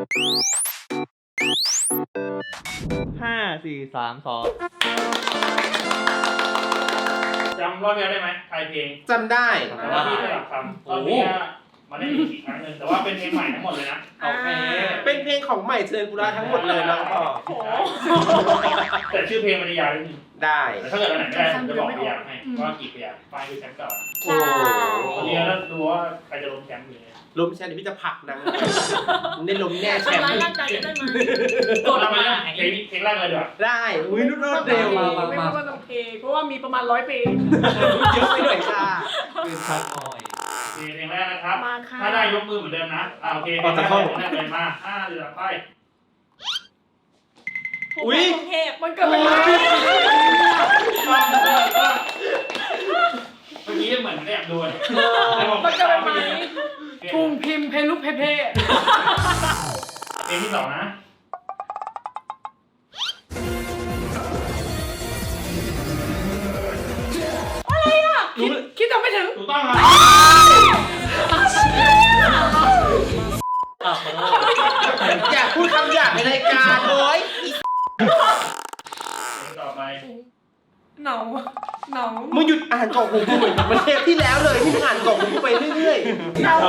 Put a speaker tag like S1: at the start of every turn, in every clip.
S1: 5 4 3 2
S2: จำรอบนี้ได้ไหมไทยเพลง
S3: จำได้
S2: แต่ว่าพี่ไม่หลักคำรอบนี้มาได้อีกครั้งหนึ่งแต่ว่าเป็นเพลงใหม่ทั้งหมดเลยนะโอเค
S3: เป็นเพลงของใหม่เจริญปุระทั้งหมดเลยน้องพ่อ
S2: แต่ชื่อเพลงมันจะยาวนิดนึง
S3: ได้
S2: แต่ถ้าเกิดอันไหนไม่ได้ผมจะบอกพยางให้ว่ากี่พยางไปดูแชมป์ก่อน
S3: โอ้
S2: ตอนนี้เราดูว่าใครจะลงแชมป์อยู่เนี่ย
S3: ล้มแชมป์เดี๋ยวพี่จะผลักนางได้ล้มแน่แชมป์
S4: ทำร้ายร่างกายกันได้ไหม
S2: กดมาเพลงแรกเลยดีกว่า
S3: ได้อุ้ยรวดเร็ว
S4: ไม่ว่าต้องเพลงเพราะว่ามีประมาณ100เพลง
S3: เยอะไปหน่อยจ้า
S1: ปืนชักหน่อย
S2: เพลงแรกนะครับ
S4: มาค่ะ
S2: ถ้าได้ยกมือเหมือนเดิมนะโอเคเพลงแรกเลยมา5 4 3ไป
S3: อุ้ย
S4: กรุงเทพมันเกิดเป็นไร
S2: เมื่อกี้เหมือนแอบดู
S4: มันเกิดเป็นไรทุ่งพิมพ์เพลุเพเพ
S2: เพลงที่ 2นะ
S4: คิดทำไม่ถึง
S2: ถูกต้องครับ
S3: อยากพูดคำหยาบในรายการโอ้ย
S2: เพลงต่อไป
S4: หนาวหนาว
S3: มึงหยุดอ่านกล่องหูกูเหมือนมันเทปที่แล้วเลยที่มึงอ่านกล่องหูกูไปเรื่อย
S4: หนาว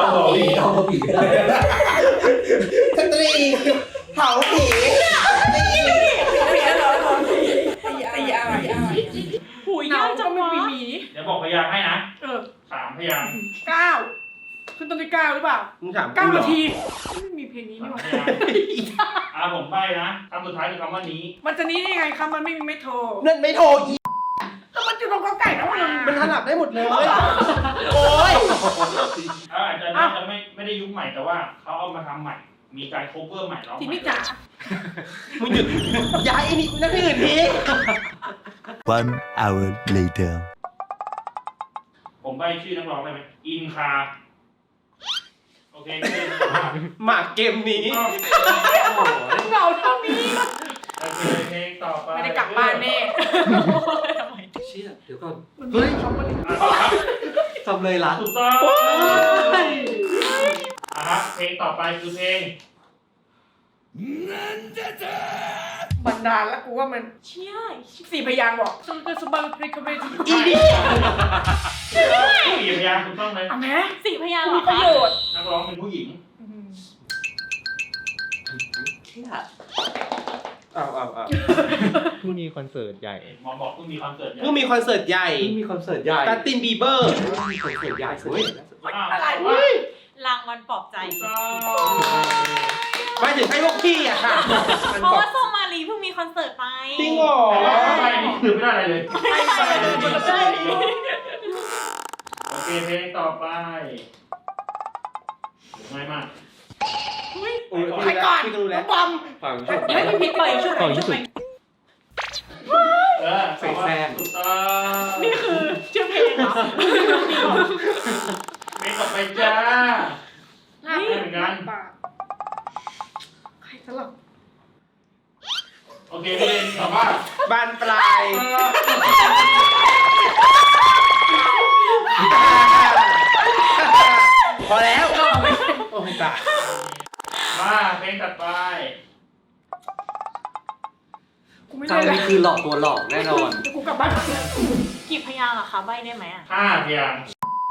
S3: ๆสตรีเผาผี
S4: เพี้ยเหรอไอ้ยาหูยาวจังวะ
S2: เดี๋ยวบอกพยางให้นะ 3 พยาง
S4: 9ขึ้นต้นด้วย9หรือเปล่า
S3: มึงถามกู
S4: 9
S3: เหร
S4: นา
S3: อ
S4: ทีไม่มีเพลงนี้นี่หว่า
S2: ผมใบ้นะคำสุดท้ายคือคำว่านี้
S4: มันจะนี้ได้ยังไงครับมันไม่มีไม่โทร
S3: นั่นไม่โทรอี
S4: ก็มันจะตรงกับไก่นะมึง
S3: มันถนัดได้หมดเลย โอ้ย
S2: อาจจะน่าจะไม่ได้ยุคใหม่แต่ว่าเขาเอามาทำใหม่ มีการโคเวอร์ใหม่ร้อง
S4: ที
S2: ใหม่
S4: นี้จ๋า
S3: มึงหยุดย้ายไอ้นี่นั่นที่อื่นที
S5: 1 hour later.
S2: ผมใบ้ชื่อนักร้องได้ไหมอินคาโอเค
S3: หมากเกมนี้
S4: เหงาเท่านี้
S2: โอเคเพลงต่อไป
S4: ไม่ได้กลับบ้านแน่
S1: เชี่ยเดี๋ยวก่อน
S4: เฮ้ยช็อกโกแลต
S2: ต่อครับ
S1: จำเลยละ
S2: ถูกต้องครับเพลงต่อไปคือเพลง
S4: บันดาลแล้วกูว่ามันเชี่ย4 พยางค์บอกสุดสบังพริกเวที
S3: อีนี่
S2: ผู้หญิงพยางถูกต้องเลย
S4: อ่ะแม่
S6: 4 พยางค์เหร
S4: มี
S6: อ
S4: ประ
S6: คะ
S4: โยชน์
S2: นักร้องเป็นผู้หญิง
S1: เชี่ย
S3: เอา
S1: เพิ่งมีคอนเสิร์ตใหญ่
S2: หมอบอกเพิ่งมีคอนเสิร์ตใหญ่
S3: เพิ่งมีคอนเสิร์ตใหญ่
S1: เพิ่งมีคอนเสิร์ตใหญ่
S3: จัสตินบีเบอร์
S1: มีคอนเสิร์ตใหญ่เว้ย
S4: อะไร
S6: รางวัลปลอบใจ
S2: ถูกต้อง
S3: ไม่ถึงให้พวกพี่อะค่ะ
S6: เพราะว่าโซมาลีเพิ่งมีคอนเสิร์ตไป
S3: จริงเหรอ
S2: ไปนี่คือไม่ได้อะไรเลย
S4: ไม่ใช่
S2: โอเคเพลงต่อไปง่ายมาก
S4: ใครก่อน
S3: พี่ก็รู้
S4: น้
S3: แล้
S4: อ
S3: ว
S4: งบอม
S1: ฝั่ง
S4: ไม่มีผิดปล่อยชุด
S1: ฝั่งที่สุด
S2: เสกแซมถูกต้อง
S4: นี่คือชื่อเพลงเหรอ
S2: เพลงต่อไปจ้าเหมือนกัน
S4: ใครสลับ
S2: โอเคเพลงต่อว่า
S3: บานปลาย พอแล้ว โอ้ยตาย
S2: มาเพลงถัดไป
S4: กูไม่
S1: จา
S4: ได้
S1: ง
S4: แล้
S1: นี่คือหลอกตัวหลอกแน่นอน
S4: กูกลับบ้าน
S6: กี่พยางค์อะคะ ใบได้ไหมอะ
S2: 5 พยางค์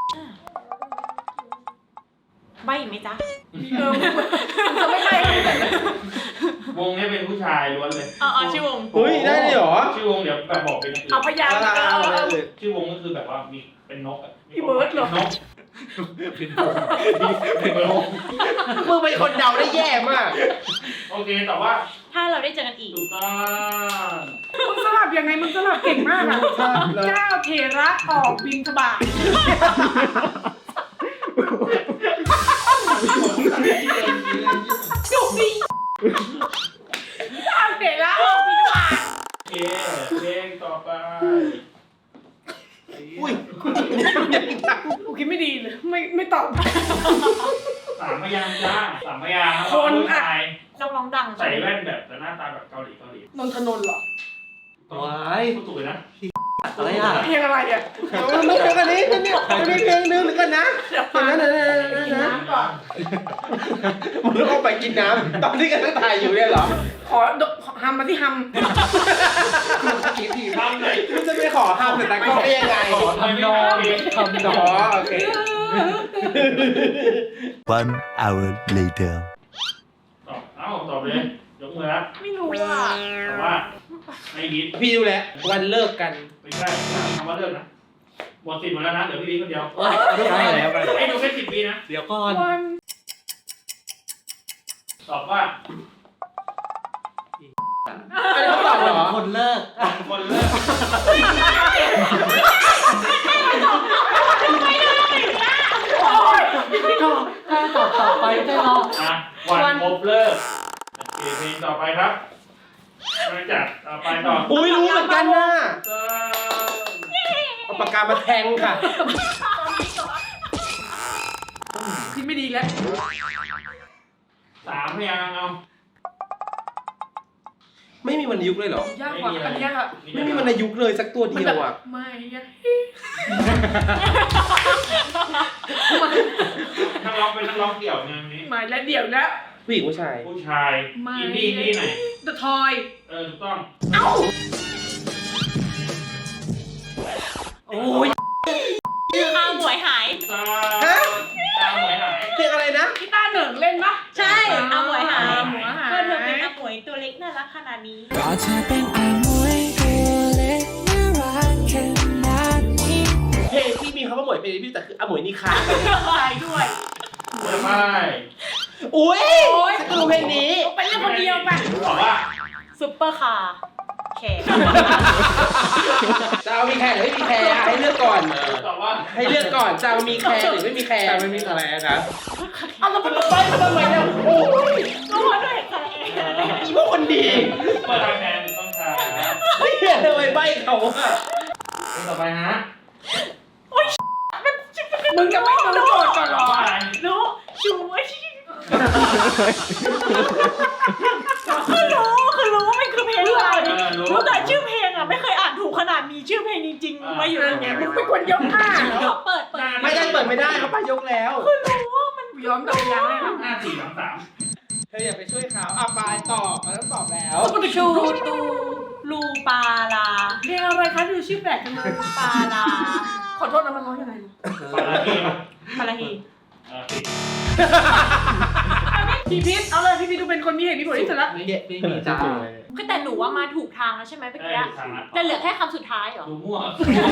S6: ใบอีกไหมจ๊ะ
S4: จะไม่ได้
S2: วงนี้เป็นผู้ชายล้วนเลย
S6: อ๋อชื่อวง
S3: เฮ้ย ได้เลยเหรอ
S2: ชื่อวงเดี๋ยวแบบบอกเป็นอย่างอื่น
S4: เอาพยางค์
S2: ชื่อวงก็คือแบบว่ามีเป็นนกอะ
S4: พี่เบิร์ดเหรอ
S2: นกเป็นนก
S3: มึงเป็นคนเดาได้แย่มาก
S2: โอเคแต่ว่า
S6: ถ้าเราได้เจอกันอีก
S2: ถูกต้อง
S4: มึงสลับยังไงมึงสลับเก่งมากอะเจ้าเทระออกบินทบาทจุกดิเจ้าเทระออกบินทบาท
S2: โอเคเพลงต่อไป
S3: อุ้ย
S4: กูคิดไม่ดีเลยไม่ตอบ
S2: 3 พยางค์จ้า3 พยางค์
S4: คนอะ
S2: ผู้ชาย
S6: นักร้องดัง
S2: ใส่แว่นแบบแต่หน้าตาแบบเกาหลี
S4: นนทนนท์เหรอ
S1: ว้าย
S2: พูดถูกเลยนะ
S1: อะไรอ่ะ
S4: เพลงอะไรอ่ะ
S3: มันไม่ใช่กันนี้มันมีเพลงนึงหรือกันนะ
S4: เดี๋ยว
S3: เห็น
S4: ฟัง
S3: ไหมนะ
S4: กินน้ำก่อน
S3: มึงต้องเอาไปกินน้ำตอนที่กันตั้งถ่ายอยู่เนี่ยเหรอ
S4: ขอฮัมมาที่ฮัม
S2: ทำไหน
S3: มึงจะไปขอห้ามแต่ตากล้องได้ยังไง
S2: ทำนอง
S1: ทำน
S3: อ๋
S1: อ
S3: อง โอเค
S5: 1 hour later.
S2: ตอบเลยยกมือแล้ว
S6: ไม่รู้อ่ะ
S2: แต่ว่าไม่ยิด
S3: พี่ดูแลววันเลิกกัน
S2: ไม่ใช่คำว่าเลิกนะหมดสิทธิ์หมดแล้วนะเหลือพี่วิคนเดียว
S1: ได้แล้วไป
S2: ให้ดูแค่10 วินะ
S1: เดี๋ยวก่อน
S4: วัน
S2: ตอบว่า
S3: อันนี้เขาตอบเหรอ
S1: คนเลิก
S2: คนเลิก
S4: โอ้ย
S1: ถ้าตอบต่อไปได้หรอ
S2: อ่ะวันพบเลิกโอเคเพลงต่อไปครับมาจากต่อไปต่อ
S3: อุ้ยรู้เหมือนกันนะ
S2: เติม
S3: เอาปากกามาแทงค่ะ
S4: คิดไม่ดีแล้ว
S2: 3 พยางค์เอา
S3: ไม่มีวรรณยุกต์เลยเหรอ
S4: ยากกว่าอันนี้ค่ะ
S3: ไม่มีวรรณยุกต์เลยสักตัวเดียวอ่ะ
S4: ไม่ยาก
S2: นักร้องเป็นนักร้องเดี่ยวไงวันนี้
S4: ไม่และเดี๋ยวแล้ว
S3: ผู้หญิงผู้ชาย
S2: ผู้ชาย
S4: ไม่
S2: อินดี้ไหน
S4: The Toy
S2: ถูกต้อง
S3: โอ้ย
S6: อาหมวยหาย
S2: ตา
S3: ฮะ
S2: ตาหมวยหาย
S3: เพลงอะไรนะ
S4: กีตาร์เหนิงเล่นปะ
S6: ใช่อาหมวยหาย
S4: อาหมวยหาย
S6: เพื่อนเธอเป็นอาหมวยตัวเล็กน่ารักขนาดนี้
S7: ก็เธอเป็นอามวยตัวเล็กน่ารักขนาดนี้
S3: เพลงที่มีคำว่าหมวยเพลงพี่แต่คืออมวยนิคา
S4: ใช่ด้วย
S2: จะไม่
S3: อุ้ยฉันก็รู้เพลงนี้
S4: ไปเล่นคนเดียวไป
S2: ตอบว่า
S6: ซุปเปอร์คาร์แขก
S3: จะเอามีแคร์หรือไม่มีแคร์อ่ะให้เลือกก่อน
S2: ตอบว่า
S3: ให้เลือกก่อนจะเอามีแคร์หรือไม่มีแคร์
S1: แต่ไม่มีอะไรนะ
S3: เอาแล้วมันไปทำไมเนี่ยโอ้ย
S6: ก็เพราะด้วยแขก
S3: อีพวกคนดี
S2: เปิดทางแทนถูกต้องค่ะ
S3: เฮ้ยทำไมใบเขาอ่ะ
S2: เพลงต่อไปฮะ
S4: มึงจะไม่รู้โจทย์ก่อนเหร
S2: ตอ
S4: อบ
S2: ว่าอะไร
S6: รู้ชูว่าคือรู้ว่ามันคือเพลงอะไรรู้แต่ชื่อเพลงอ่ะไม่เคยอ่านถูกขนาดมีชื่อเพลงจริงๆมาอยู่ในนี้
S4: มึงเป็นคนยกอ่ะ
S6: เปิด
S3: ไม่ได้เปิดไม่ได้เขาไปยกแล้ว
S4: ย้อมดอกยางเลยนะ
S2: 5 4 3 3
S3: เธออย่าไปช่วยเขาอ่ะปลายตอบมันต้องตอบแล้ว
S6: ชูตูลูปาลา
S4: เพลงอะไรคะดูชื่อแปลกจังเลย
S6: ปาลา
S4: ขอโทษนะมันร้องยังไง
S2: ปาราทีป่ะ
S6: ปาลาฮี
S2: ผิด
S4: พี่พิษเอาเลยพี่พิษดูเป็นคนมีเหตุมีผลที่สุดละ
S3: ไม่มีจ้า
S6: ก็แต่หนูว่ามาถูกทางแล้วใช่ไหมเมื่อ
S2: ได้
S6: กี้
S2: ทางละ
S6: แต่เหลือแค่คำสุดท้ายเหรอ
S2: ดูมั่ว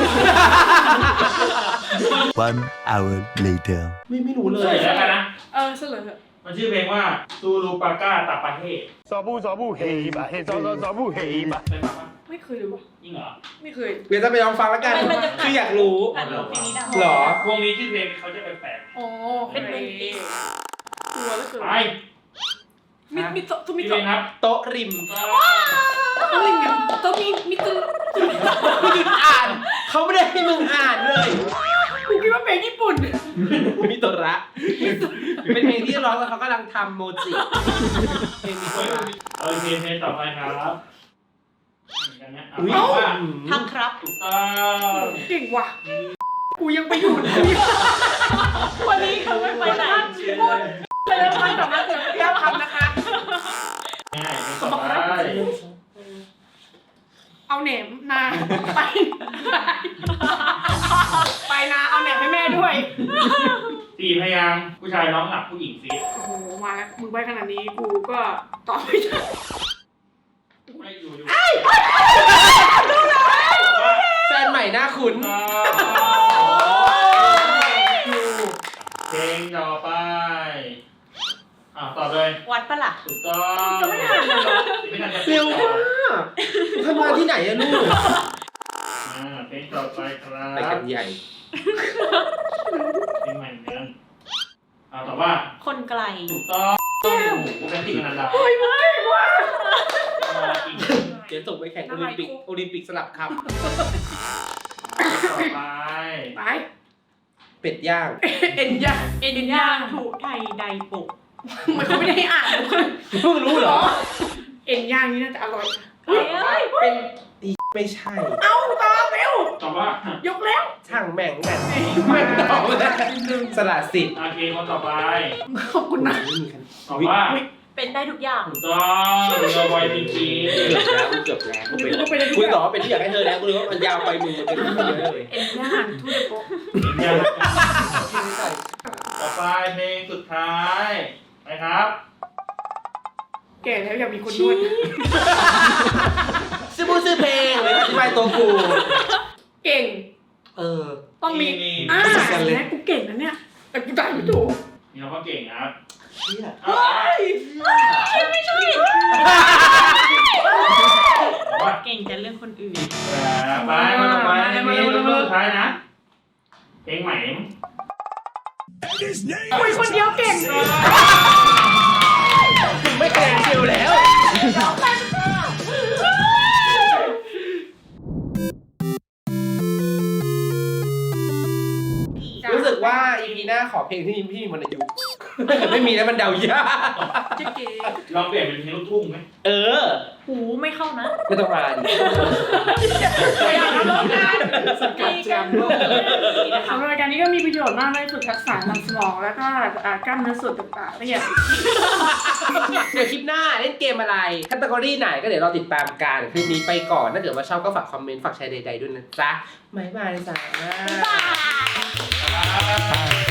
S5: 1 hour later.
S3: ไม่รู้เล
S2: เลย ยแล้วกันนะ
S4: เสลอเถอะ
S2: มันชื่อเพลงว่าซูรูปาก้าตาปาเฮ่
S8: Sabu sabu hey ba hey sabu hey ba.
S2: เป็นปะ
S4: ไม่เคยดูวะ
S2: จริงเหรอ
S4: ไม่เคย
S3: เดี๋ยวจะไปลองฟังแล้วกัน
S6: มันจะ
S3: คืออยากรู้
S6: ผ่านเพลงนี้ดัง
S3: หรอ
S2: วงนี้ชื่อเพลงเขาจะแปลก
S4: อ๋อเป็นเพลงกลัวแล้วเกิ
S2: ๆ
S4: น
S2: ไป
S4: มิโตะทุมิ
S2: ชื่อเพล
S4: โตะ
S2: งครับ
S3: โต๊ะริม
S4: อะไรเนี่ยโตะมิโตะ
S3: กูหยุดอ่าน เขาไม่ได้ให้มึงอ่านเลย
S4: กูคิดว่าเพลงญี่ปุ่น
S3: มิโตระเป็นเพลงที่ร้องแล้วเขากำลังทำโมจิเพลงมิโตระ
S2: โอเคเพลงต่อไปครับอย่างเงี้ย
S3: อุ๊ย
S2: เอาว่า
S6: ทำครับ
S2: ถูกต้อง
S4: เก่งว่ะ กูยังไปอยู่ที่
S6: วันนี้เขาไม่ไปไหน
S4: ไปแล้วมันสำนักเสียงเที่ยวคำนะคะ
S2: ง่ายเพลงต่อไป
S4: เอาแหนมนาไปไปนาเอาแหนมให้แม่ด้วย
S2: 4 พยางค์ผู้ชายร้องหลับผู้หญิงซีด
S4: โอ้โห มาแล้ว มึงไปขนาดนี้ กูก็ตอบไม่ได้
S2: ไม่อยู่
S3: แฟนใหม่หน้าคุ้น
S2: เพลงต่อไปตอบเลย
S6: วัดปะล่ะ
S2: ถูกต้อง
S4: จะไม่ทันเลยเหรอ
S2: ไม่ทันจะ
S3: เร็วมากทำงานที่ไหนอะลูก
S2: เพลงต่อไปครับ
S3: ไปกันใหญ่
S2: เพลงใหม่เหมือนกันตอบว่า
S6: คนไกล
S2: ถูกต้องปกตินันดา
S4: เฮ้ยมึงเก่งว่ะ
S3: เดี๋ยวส่งไปแข่งโอลิมปิกสลับค
S2: ต่อไป
S4: ไป
S3: ำเป็ดย่าง
S4: เอ็นย่าง
S6: เอ็นย่างถูไทยไดปุก
S4: มันเขาไม่ได้ให้อ่าน
S3: เพิ่งรู้เหรอ
S4: เอ็นย่างนี่น่าจะอร่อยนะ
S6: เฮ้ย
S3: เป็นไม่ใช่
S4: เอาตอบเร็ว
S2: ตอบว่าย
S4: กแล้ว
S3: ช่างแม่งแบบไม่ตอบเลยสละสิทธิ์
S2: โอเคคนต่อไป
S4: ขอบคุณนะ
S3: ไม่มีคัน
S2: ตอบว่า
S6: เป็นได้ทุกอย่าง
S2: ถูกต้องเรือไวจริง
S3: เกือบแล้วกูเป็น
S4: ก็เป็น
S3: กูตอบว่าเป็นที่อยากให้เธอแล้วกูเลยว่ามันยาวไปมึงมันเป็นที่เยอะเลย
S4: เอ็นย่างทูเดโก
S2: ๆเนี่ยต่อไปเพลงสุดท้ายนะครับ
S4: แก่แล้วอยากมีคนนวด
S3: ซื้อบูซื้อเพลงเลยอธิบายตัวกู
S4: เก่ง
S3: เออ
S4: ต้องมี
S2: นี่
S4: แม่กูเก่งนะเนี่ย แต่กูตายไม่ถูก
S2: นี่เราก็เก่งนะครับ
S3: เชี่ย
S2: เอาไม่ใช่
S6: เก่งแต่เรื่องคนอื่น
S2: ไปคนต่อไปเพลงสุดท้ายนะเพลงใหม่
S4: คุยคนเดียวเก่ง
S3: ไม่คะแนนเชียวแล้ว รู้สึกว่า EP หน้าขอเพลงที่พี่มีวรรณยุกต์ถ้าเกิดไม่มีแล้วมันเดายาก
S4: จะเก๋
S2: ลองเปลี่ยนเป็นเพลงลูกทุ่งไหม
S3: เออ
S6: หูไม่เข้านะ
S3: ไม่ต้องมาดิ
S4: ตัวอย่างแล้วร้องงาน
S3: สกัดแจมโลก
S4: สำหรับรายการนี้ก็มีประโยชน์มากเลยฝึกทักษะทางสมองแล้วก็กล้ามเนื้อส่วนต่างๆละเอียด
S3: เดี๋ยวคลิปหน้าเล่นเกมอะไรคัตเกอรี่ไหนก็เดี๋ยวเราติดตามกันคลิปนี้ไปก่อนถ้าเกิดว่าชอบก็ฝากคอมเมนต์ฝากแชร์ใดๆด้วยนะจ๊ะบ๊ายบายจ้า
S6: บ๊ายบาย